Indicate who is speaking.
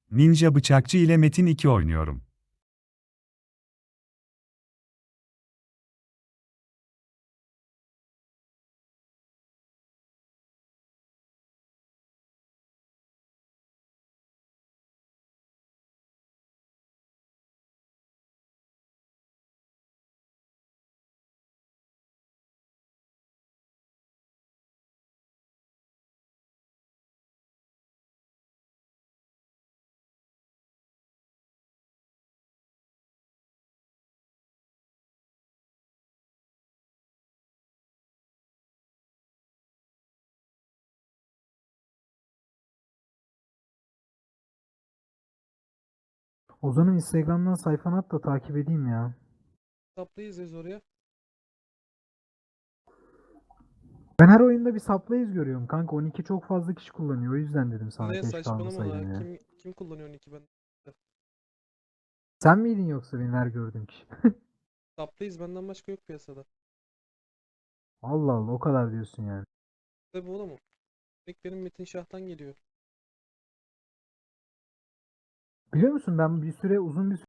Speaker 1: Ninja Bıçakçı ile Metin 2 oynuyorum.
Speaker 2: Ozan'ın Instagram'dan sayfanı at da takip edeyim ya.
Speaker 3: Saplayız yaz oraya.
Speaker 2: Ben her oyunda bir supply'iz görüyorum kanka. 12 çok fazla kişi kullanıyor. O yüzden dedim sana
Speaker 3: Ne
Speaker 2: keşke
Speaker 3: saçmalama
Speaker 2: almasaydım
Speaker 3: la.
Speaker 2: ya.
Speaker 3: Kim kullanıyor ki ben?
Speaker 2: Sen miydin yoksa benim her gördüğüm kişi?
Speaker 3: Saplayız benden başka yok piyasada.
Speaker 2: Allah Allah, o kadar diyorsun yani.
Speaker 3: Tabi oğlum o. Tek benim Metin Şah'tan geliyor.
Speaker 2: Biliyor musun, ben bir süre uzun bir